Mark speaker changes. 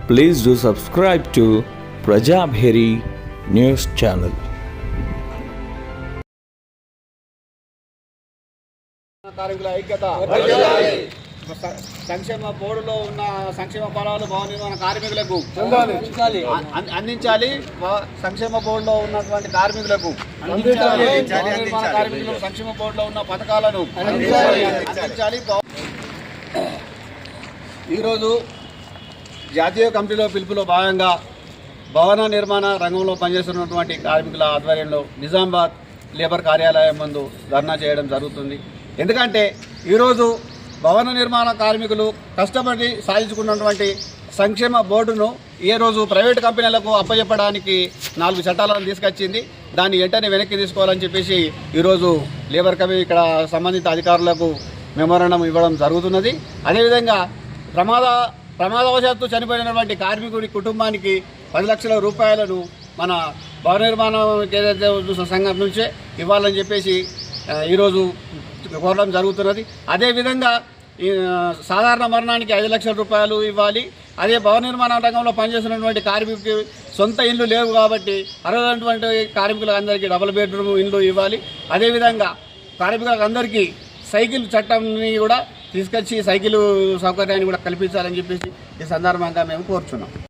Speaker 1: Please do subscribe to Prajabheri News Channel.
Speaker 2: కార్మికుల ఐక్యత సంక్షేమ బోర్డులో ఉన్న సంక్షేమ ఫలాలు భవన నిర్మాణ కార్మికులకు అందించాలి. సంక్షేమ బోర్డులో ఉన్నటువంటి కార్మికులకు కార్మికులకు సంక్షేమ బోర్డులో ఉన్న పథకాలను అందించాలి. ఈరోజు జాతీయ కమిటీలో పిలుపులో భాగంగా భవన నిర్మాణ రంగంలో పనిచేస్తున్నటువంటి కార్మికుల ఆధ్వర్యంలో నిజామాబాద్ లేబర్ కార్యాలయం ముందు ధర్నా చేయడం జరుగుతుంది. ఎందుకంటే ఈరోజు భవన నిర్మాణ కార్మికులు కష్టపడి సాధించుకున్నటువంటి సంక్షేమ బోర్డును ఏ రోజు ప్రైవేటు కంపెనీలకు అప్పచెప్పడానికి 4 చట్టాలను తీసుకొచ్చింది. దాన్ని వెంటనే వెనక్కి తీసుకోవాలని చెప్పేసి ఈరోజు లేబర్ కమిటీ ఇక్కడ సంబంధిత అధికారులకు మెమోరాండం ఇవ్వడం జరుగుతున్నది. అదేవిధంగా ప్రమాదవశాత్తు చనిపోయినటువంటి కార్మికుడి కుటుంబానికి 10 లక్షల రూపాయలను మన భవన నిర్మాణం ఏదైతే సంఘం నుంచే ఇవ్వాలని చెప్పేసి ఈరోజు కోరడం జరుగుతున్నది. అదేవిధంగా సాధారణ మరణానికి 5 లక్షల రూపాయలు ఇవ్వాలి. అదే భవన నిర్మాణ రంగంలో పనిచేస్తున్నటువంటి కార్మికుడికి సొంత ఇళ్ళు లేవు కాబట్టి అర్హులైనటువంటి కార్మికులకు అందరికీ డబుల్ బెడ్రూమ్ ఇళ్ళు ఇవ్వాలి. అదేవిధంగా కార్మికులకు అందరికీ సైకిల్ చట్టాన్ని కూడా తీసుకొచ్చి సైకిల్ సౌకర్యాన్ని కూడా కల్పించాలని చెప్పేసి ఈ సందర్భంగా మేము కోరుచున్నాం.